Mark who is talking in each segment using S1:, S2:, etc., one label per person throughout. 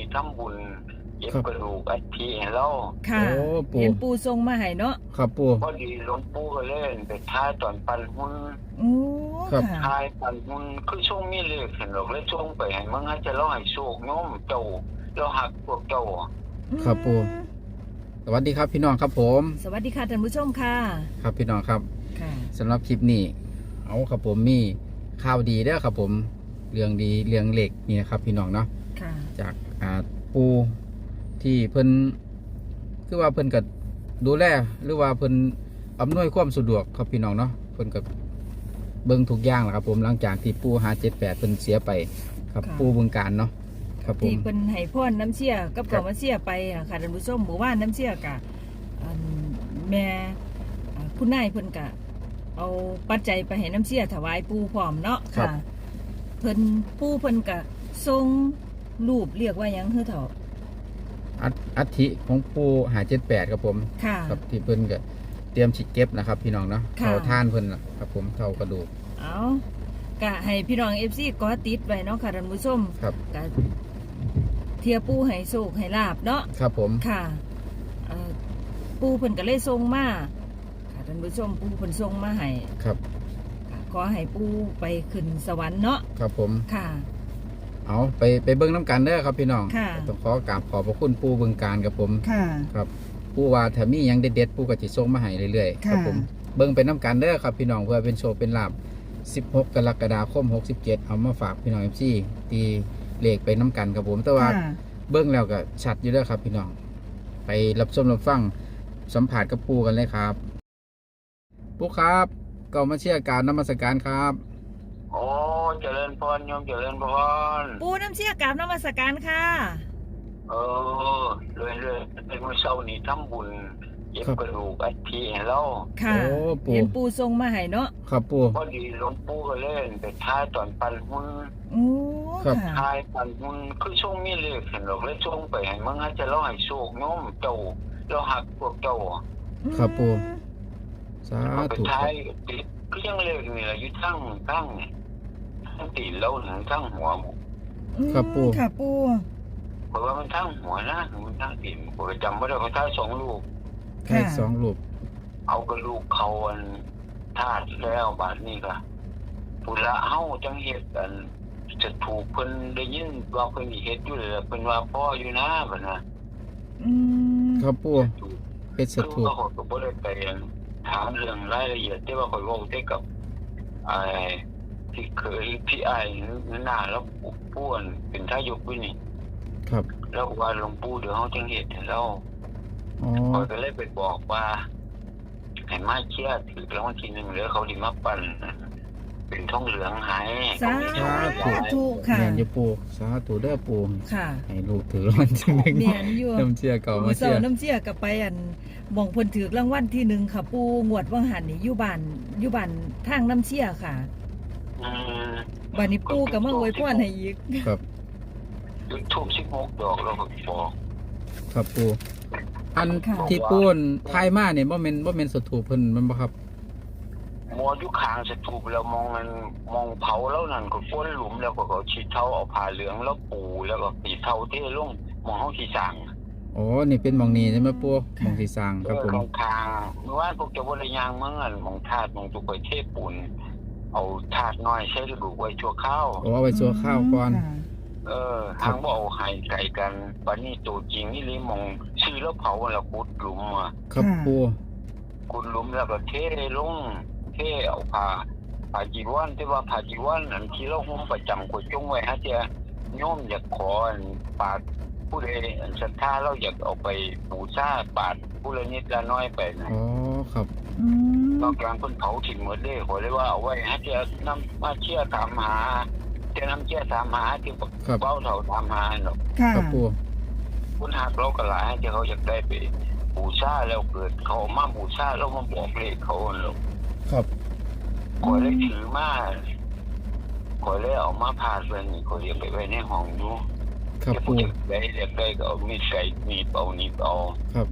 S1: ทำบุญเก็บกระดูกอัฐิให้เรา
S2: ค่ะ
S3: โอ้ปู่
S2: เห็นปูทรงมาให้เนาะ
S3: ครับปู
S1: พอดีหลวงปู่ก็เล่นไปท้ายตอนปันหุ้น
S2: โอ้
S3: ครับ
S2: ค่ะ
S1: ท้ายปันหุ้นคือช่วงมีเลขเห็นหรอกเลยช่วงไปให้มึงให้จะเล่าให้โชคโน้มเจ้าเราหักพวกเจ้า
S3: ครับปู่ สวัสดีครับพี่น้องครับผม
S2: สวัสดีค่ะท่านผู้ชมค่ะ
S3: ครับพี่น้องครับ
S2: ค่ะ
S3: สำหรับคลิปนี้เอาครับผมมีข่าวดีเด้อครับผมเรื่องดีเรื่องเหล็กนี่นะครับพี่น้องเนาะ
S2: ค่ะ
S3: จากปูที่เพิ่นคือว่าเพิ่นก็ดูแลหรือว่าเพิ่นอำนวยความสะดวกครับพี่น้องเนาะเพิ่นก็เบิ่งทุกอย่างแหละครับผมหลังจากที่ปู578เพิ่นเสียไปครับ
S2: ค่ะ
S3: ปูบึงการเนาะครับผม
S2: ที่เป็นให้พ่อนน้ำเชี่ยกับ
S3: ครั
S2: เก่า
S3: บ
S2: มาเชี่ยไปอะค่ะท่านผู้ชมหมู่บ้านน้ำเชี่ยกะแม่คุณนายเพิ่นกะเอาปัจจัยไปให้น้ำเชี่ยถวายปูพร้อมเนาะค่ะ เพิ่นปูเพิ่นกะทรงรูปเรียกว่าหยังคือเถา
S3: อัฐิของปู578ครับผม
S2: ค่ะ
S3: ครับที่เพิ่นก็เตรียมฉีดเก็บนะครับพี่น้องเนาะ
S2: ค่ะ
S3: เท่าท่านเพิ่นล่ะครับผมเท่ากระดูก
S2: เอากะให้พี่น้อง FC ก็ติดไว้เนาะค่ะท่านผู้ชม
S3: ครับ
S2: กะเทียปูให้โชคให้ลาบเนาะ
S3: ครับผม
S2: ค่ะปูเพิ่นก็เลยส่งมาค่ะท่านผู้ชมปูเพิ่นส่งมาให้
S3: ครับ
S2: ค่ะขอให้ปูไปขึ้นสวรรค์เนาะ
S3: ครับผม
S2: ค่ะ
S3: เอาไปเบิ้งน้ำกันเด้อครับพี่น้อง
S2: ค่ะ
S3: ต้องขอกราบขอบพระคุณปูบึงการกับผม
S2: ค่ะ
S3: ครับปูว่าถ้ามีหยังเด็ดๆปูก็จะส่งมาให้เรื่อยๆ
S2: ค่ะ
S3: ครับผมเบิ้งไปน้ำกันเด้อครับพี่น้องเพื่อเป็นโชว์เป็นลาบ16 กรกฎาคม 67เอามาฝากพี่น้อง FC ตีเลขไปน้ำกันครับผมแต่ว่า
S2: ค่ะ
S3: เบิ้งแล้วก็ชัดอยู่เด้อครับพี่น้องไปรับชมรับฟังสัมผัสกับปูกันเลยครับปูครับก็มาเชื่อการนมัสการครับ
S1: โอ้เจริญพรโยมเจริญพร
S2: ปูน้ำเชี่ยกราบนมัสการค่ะ
S1: เออเรื่อยๆเป็นมื้อเช้านี้ทำบุญเก็บ
S3: ครับ
S1: กระดูกอัฐิให้เรา
S2: ค่ะ
S3: โอ้ปู
S2: เห็นปูทรงมาให้เนาะ
S3: ครับปู
S1: พอดีหลวงปู่ก็เล่นไปท้ายตอนปันหุ้น
S2: โอ้
S3: ครับ
S2: ค่ะ
S1: ท้ายปันหุ้นคือช่วงมีเลขเห็นหรอกเลยช่วงไปให้มึงให้จะเล่าให้โชคโน้มเจ้าเราหักพวกเจ้า
S3: ครับปู สา
S1: เอาไป
S3: ธุค
S1: ท้า
S3: รับ
S1: ยติดก็ยังเลขนี่แหละอยู่ทั้งตีนเราถึงทั้งหัว
S3: ครับปู
S2: ค่ะปู
S1: บอกว่ามันทั้งหัวนะมันทั้งตีนผมจำไม่ได้เขาท้ายสองลูก
S3: ให้สองรูป
S1: เอากระลูกเขาอันธาตุแล้วบาดนี้ก็ปุระเฮาจังเฮ็ดอันจะถูกเพิ่นได้ยินว่าเพิ่นสิเฮ็ดอยู่เลยเพิ่นว่าพ่ออยู่นะบัดน่ะ
S2: อืม
S3: ครับปูเพชรส
S1: คือ
S3: ถูก
S1: ว่าเขาก็บ่ได้ไปถามเรื่องรายละเอียดที่ว่าเขาเว้าแต่กับไอ้ที่เคยพี่ไอ้หน้าแล้วปู่อันเป็นทายกอยู่นี่
S3: ครับ
S1: แล้วว่าหลวงปู่เดี๋ยวเฮาจังเฮ็ดให้เรา
S3: อ๋อ
S1: เขาก็เลยไปบอกว่าให้มาเชียร์ถือรางวัลที่1หรือเขาสิมาปั่นเป็นทองเหลืองให้
S2: สา
S1: เขามีโชคให้
S2: ธุค่ะ
S3: แม่นอยู่ปูสาธุเด้อปู
S2: ค่ะ
S3: ให้ลูกถือรางวัลที่หนึ่ง
S2: เมียนอยู่
S3: น้ำเชื่อเก่ามา
S2: เสา
S3: เชื่อ
S2: น้ำเชี่ยกับไปอันหม่องเพิ่นถือรางวัลที่1ค่ะปูงวดว่างหันนี่อยู่บ้านทางน้ำเชี่ยค่ะ
S1: อืม
S2: บัดนี้ปูก็มาอวยพรให้อีก
S3: ครับ
S1: จุดทูบ16ดอกแล้วก็บอก
S3: ครับปูอัน
S2: ค่ะ
S3: ที่ปูนทายมาเนี่ยบ่แม่นสถูปเพิ่นมันบ่ครับ
S1: มออยู่ข้างสถูปแล้วมองมันมองเผาแล้วนั่นก็ก้นหลุมแล้วก็เขาฉีดเท้าเอาผ้าเหลืองแล้วปูแล้วก็สีเท้าเทลงมองเฮาสิสร้าง
S3: อ๋อนี่เป็นหมองนี้ใช่ไหมปูหมองที่สร้างครับผม
S1: ข้างๆเมื่อวานพวกเจ้าบ่ได้ย่างเมืองอันมองธาตุมองตุกไปเทปูนเอาธาตุน้อยใช้กระดูกไว้ชั่วคราว
S3: โอ้เอาไปซัวข้าวก่อน
S1: ทางบ่เอาให้ไกลกันบัดนี้ตัวจริงนี่เลยมองชื่อแล้วเผาแล้วขุดหลุมมา
S3: ครับปู
S1: ขุดหลุมแล้วก็เทลงเทเอาผ้าจีวรที่ว่าผ้าจีวรอันที่เราห่มประจำกดจงไว้ฮะเจ้าโยมอยากขออันปาดผู้ใดอันศรัทธาเราอยากเอาไปบูชาปาดผู้ละนิดละน้อยไปนะ
S3: อ๋อครับ
S2: อืม
S1: นอกจากเพิ่นเผาทิ้งหมดเลยขอเลยว่าเอาไว้ฮะเจ้านำมาเชื่อถามหาจะนำเชื่อถามหาที่
S3: ครับ
S1: เบ้าเฒ่าถามหาเนาะ
S2: ค่ะ
S3: ครับปู
S1: คุณหักเราก็หลายให้เขาอยากได้ไปบูชาแล้วเกิดเขามาบูชาแล้วมาบอกเลขเขาเนาะ
S3: ครับ
S1: ขอเลยถือมาขอเลยเอามาพาดไว้นี่ขอเรียกไปไว้ในห้องดู
S3: ครับ
S1: จะ
S3: ปู
S1: พูดได้เรียกได้ก็เอามีดใส่มีดเอานี่เอา
S3: ครับ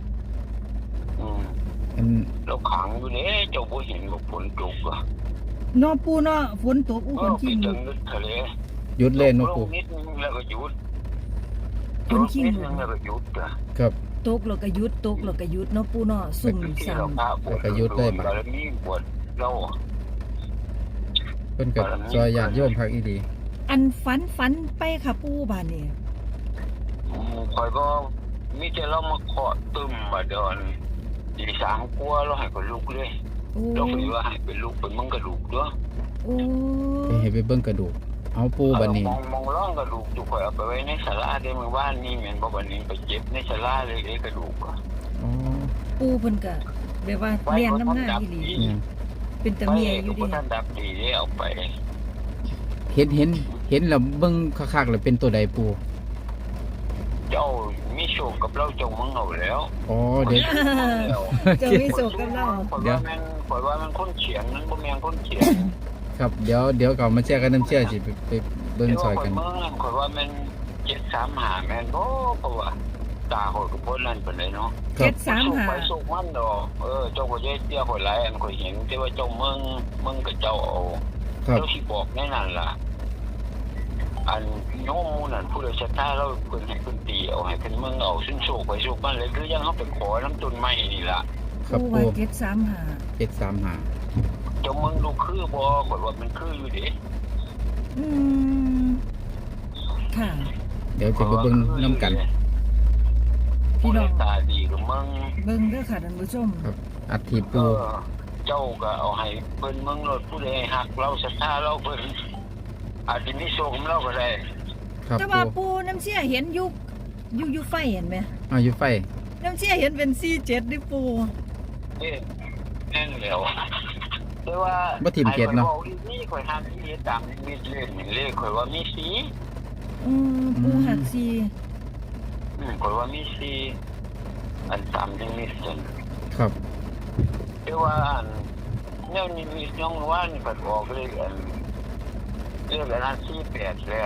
S3: อัน
S1: แล้วขังอยู่เนี่ยเจ้าบ่เห็นว่าฝนตกอ่ะ
S2: เนาะปูเนาะฝนตกอู้
S1: เอ
S2: ฝ
S1: อน ไป
S2: ขี้
S1: ถึ
S2: ลู
S1: ง
S2: ก
S1: นึกทะเล
S3: หยุดเล่นเนาะ
S1: ล
S3: ปู
S1: งนิดนึงแล้วก็หยุด
S2: คนขี้
S1: นิด
S2: หมู
S1: นึงแล้วก็หยุดอ่ะ
S3: ครับ
S2: ตกแล้วก็หยุดตกแล้วก็หยุดเนาะปู่เนาะซุ่ม
S1: ที่
S2: ซ้ำ
S1: เราพาปวด
S3: แล้วก็หยุดเลยบัด
S1: บารมีปวดเรา
S3: เพิ่นก็ซอยญาติโยมคักอีดี
S2: อันฝันไปค่ะปู่บาดนี้
S1: คอยก็มีแต่เรามาเคาะตึมมาเดินตีสามกลัวเราให้คนลุกเลย
S2: โอ้
S1: เราคิดว่าให้เป็นลูกเป็นมึงกระดูกด้วย
S2: โอ้
S3: ไปให้ไปเบิ่งกระดูกเอาปูบัดนี้
S1: มองร่องกระดูกจุกคอยเอาไปไว้ในศาลาได้เมื่อวานนี้เหมือนบ่บัดนี้ไปเจ็บในศาลาเลยไอ้กระดูกอะ
S3: อ๋อ
S2: ปู่เพิ่นก็แบบว่าเรียนน้ำหน้าอีหลี
S3: เนี่ย
S2: เป็นตะเมียอยู่
S1: ดิ
S2: ดิ
S1: ท่านดับดีได้เอาไป
S3: เห็นแล้วเบิ่งคักๆแล้วเป็นตัวใดปู
S1: เจ้ามีโชคกับเราเจ้ามึงเอาแล้ว
S3: อ๋อเด็ก
S2: เจะมีโศกกับเรา
S1: ข่อยว่ามันคนเขียนมันบ่แม่นคนเขียน
S3: ครับเดี๋ยวก็มาแชร์กันน้ำเชื่อสิไปเบิ่งซอยกัน
S1: ข่อยว่ามัน735แม่นบ่เพราะว่าตาข่อยก็บ่นั่นปานใดเนาะ
S3: ครับ
S1: ไป
S2: 735
S1: สุกมันดอกเจ้าก็จะเตี้ยข่อยหลายอันข่อยเห็นแต่ว่าเจ้ามึงกับเจ้าเอา
S3: ครับ
S1: เจ้าสิบอกแน่นั่นล่ะอันโยมหมู่นั่นผู้ใดศรัทธาเราเพิ่นให้เพิ่นตีเอาให้เพิ่นมึงเอาซึ่งโชคไปสุกมันเลยคือยังเฮาไปขอน้ำต้นไม้นี่ล่ะ
S3: ครับ
S2: ปู่
S3: ปู
S2: ว่า735
S3: 735
S1: เจ้ามึงดูคือบ่ข่อยว่ามันคืออยู่เด้
S2: อืมค่ะ
S3: เดี๋ยวจะไปเบิ่งน้ำกัน
S2: พี่น้อง
S1: ตาดีกับมึง
S2: เบิ่งเด้อค่ะท่านผู้ชม
S3: ครับอัฐิปู
S1: เจ้าก็เอาให้เพิ่นมึงรถผู้ใดฮักเราศรัทธาเราเพิ่นอาจสิมีโชคกับเราก็ได้
S3: ครับ
S2: แต่
S3: ปู
S2: ว่าปู่น้ำเชี่ยเห็นอยู่ไฟเห็นไหม
S3: อยู่ไฟ
S2: น้ำเชี่ยเห็นเป็น47ดิปู่
S1: เอ๊ะแน่นแล้วแต่ว่า
S3: บ่ถิ่มเกตเนาะ
S1: ไอ้ข่อยว้นี่ข่อยห้ามที่ตามมีเล่นนี่เลขข่อยว่ามีสี
S2: ปู่หักซี
S1: ข่อยว่ามีสีอันตามที่มีส่วน
S3: ครับ
S1: แต่ว่าอันแนวนี้มีน้องว่านี่ก็ออกเลยอันเรียกอันนั้น48แล้ว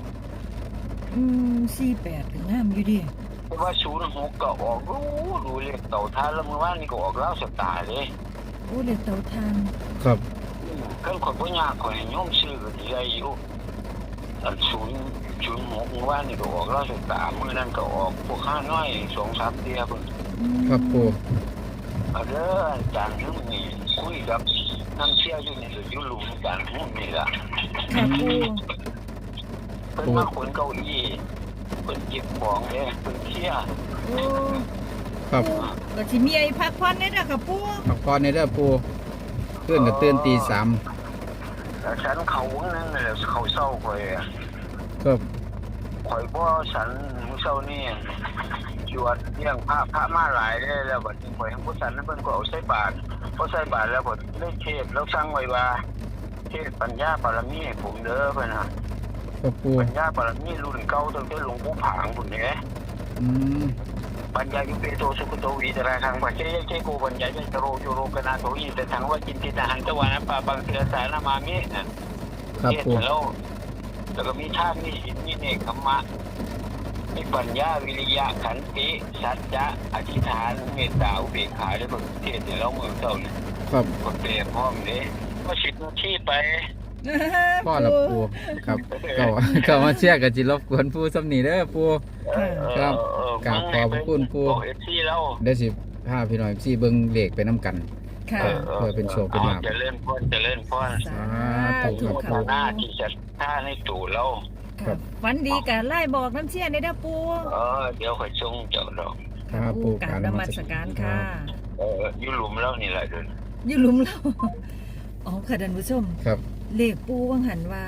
S2: 48ก็งามอยู่ดิ
S1: แต่ว่า06ก็ออกรู้เลขเต่าทานแล้วมื้อวานนี่ก็ออกแล้วสตาร์เด้
S2: โอ้เด็กเตาทาน
S3: ครับ
S1: เครื่องขอยบ่ยากข่อยให้โยมซื้อก็สิได้อยู่อัน06มื้อวานนี่ก็ออกแล้วสตาร์มื้อนั้นก็ออกพวกข้าน้อย 2-3 เที่ยเพิ่น
S3: ครับปู
S1: เอาเด้ออาจารย์hướngนี่คุยกับน้ำเชี่ยวอยู่นี่อยู่หลุมอาจารย์hướngนี่ล่ะ
S2: ค่ะปู่
S1: เพิ่นมาขนเก้าอี้เพิ่นเก็บของเด้เพิ่นเคลียร์
S2: โอ้
S3: ครับ
S2: ก็สิมีไอ้พักผ่อนได้เด้อค่ะปู่
S3: พักผ่อนในเด้อปูเพื่อนก็ตื่นตี
S1: แล้วฉันเขานั่นแหละเขาเศร้าข่อยอะ
S3: 3ครับ
S1: ข่อยบ่ฉันมื้อเช้านี่จวดเลี้ยงพระมาหลายเด้แล้วบัดนี้ข่อยทั้งบ่ฉันนั้นเพิ่นก็เอาใส่บาตรพอใส่บาตรแล้วก็ได้เทศแล้วสั่งไว้ว่าเทศปัญญาบารมีให้ผมเด้อเพิ่นน่ะ
S3: ครับปู
S1: ปัญญาบารมีรุ่นเก่าตั้งแต่หลวงปู่ผางพุ่นแหละ
S3: อืม
S1: ปัญญายุเปโตสุขโตวิตราคังปัจเจยเจโกปัญญาเจโรโยโรกนาโตอิแต่ทังว่าจินติตาหันตะวันปาปังเสือสารมามินะครับ
S3: ปู
S1: แล้วก็มีธาตุมีศีลมีเนกขมะมีปัญญาวิริยะขันติสัจจะอธิษฐานเมตตาอุเบกขาได้ประเทศเดี๋ยวเราเมืองเจ้าเนี่ย
S3: ครับ
S1: คนเปรียบพร้อมเลยก็สิบนาทีไป
S3: พ่อละปูครับก็มาเชื่อกับจิรบกวนปูสำนีเด้อปู ครับกราบขอบพระคุณปู่
S1: เอฟซีแล้ว
S3: เดี๋ยวสิพาพี่น้อยสิเบิ่งเลขไปนํกัน
S2: ค่ะ
S3: เพื่อเป็นโชคเป็นลาภ
S1: จะเล่นพ่นจะเล่นพ่น
S2: สา
S3: ธุ
S2: ธุ
S3: ครับ
S1: หน้า
S2: ค่ะ
S1: ที่จะท่าในตู่เรา
S3: ครับ
S2: ฝันดีกะไล่บอกน้ำเชี่ยได้เด้อปู่
S1: เดี๋ยวข่อยส่งเจ้าดอก
S3: ครับปู
S2: กราบนมัสการค่ะ
S1: อยู่หลุมแล้วนี่แหละเดิน
S2: อยู่หลุมเราอ๋อค่ะท่านผู้ชม
S3: ครับ
S2: เลขปู่วังหันว่า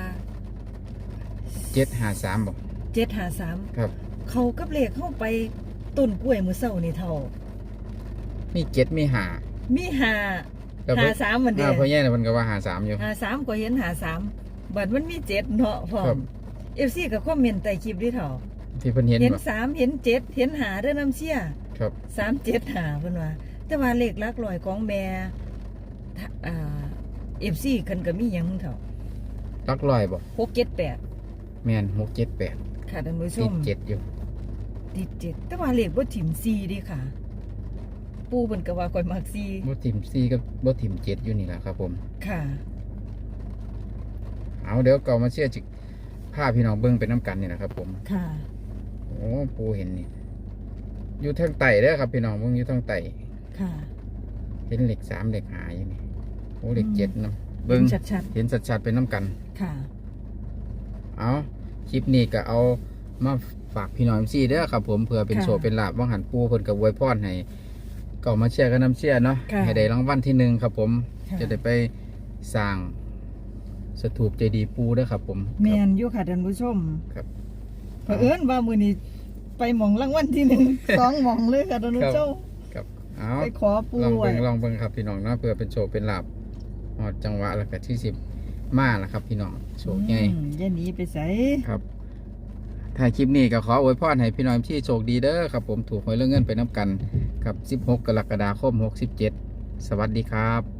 S3: 753บ่
S2: 753
S3: ครับ
S2: เขากับเลขเข้าไปต้นกล้วยมื้อเช้านี่เท่า
S3: มี7มี5
S2: มี5
S3: แล้วเพิ่น
S2: 53มันเด้
S3: พ่อใหญ่น่ะเพิ่นก็ว่า53อยู่
S2: 53ก็เห็น53บัดมันมี7เนาะพร้อ
S3: ครับ
S2: ม FC ก็คอมเมนต์ใต้คลิปดิเท่า
S3: ที่เพิ่นเห็น
S2: เห็น
S3: บ่
S2: 3เห็น7เห็น5เด้อน้ำเชี่ย
S3: ครับ
S2: 375เพิ่นว่า แต่ว่าเลขหลักร้อยของแม่FC คันก็มีหยังเท่า
S3: หลักร้อยบ่
S2: 678
S3: แม่น678
S2: ค่ะท่านผู้ช
S3: ติด
S2: ม
S3: 7อยู่
S2: ติด7แต่ว่าเลขบ่ถิ่ม4ดิค่ะ ปู่เพิ่นก็ว่าข่อยมัก4
S3: บ่ทิ่ม4กับบ่ทิ่ม7อยู่นี่ล่ะครับผม
S2: ค่ะ
S3: เอาเดี๋ยวก็มาเชื่อจิพาพี่น้องเบิ่งไปนํกันนี่นะครับผม
S2: ค่ะ
S3: โอ้อ้ปูเห็นนี่อยู่ทางไต่เด้อครับพี่น้องมึงอยู่ทางไต่
S2: ค่ะ
S3: เห็นเหล็ก3เหล็ก5อยู่นี่โอ้เหล็ก7นำเบิ่ง
S2: ชัด
S3: เห็นชัดๆเป็นน้ำกัน
S2: ๆค่ะ
S3: เอาคลิปนี้ก็เอามาฝากพี่น้องซีเด้อครับผมเพื่อเป็น
S2: ค่ะ
S3: โชว์เป็นลาบว่างหันปูเพิ่นกับอวยพรให้ก็มาเชียร์กันน้ำเชียร์เนาะ
S2: ค่ะ
S3: ให้ได้รางวัลที่1ครับผม
S2: ค่ะ
S3: จะได้ไปสร้างสถูปเจดีย์ปูเด้อครับผม
S2: แมนอยู่ค่ะท่านผู้ชม
S3: ครับ
S2: เผอิญว่ามื้อนี้ไปหม่องรางวัลที่ 1 2หม่องเลยค่ะท่านผู้ชม
S3: ครับเอา
S2: ไปขอปู
S3: ลอง
S2: ไว้
S3: เบิ่งครับพี่น้องเนาะเพื่อเป็นโชว์เป็นลาบฮอดจังหวะแล้วก็ที่10มาแล้วครับพี่น้องโชคใหญ่
S2: อย่าหนีไปไส
S3: ครับถ่ายคลิปนี้ก็ขออวยพรให้พี่น้องที่โชคดีเด้อครับผมถูกหวยเรื่องเงินไปน้ำกันครับ16 กรกฎาคม 67 สวัสดีครับ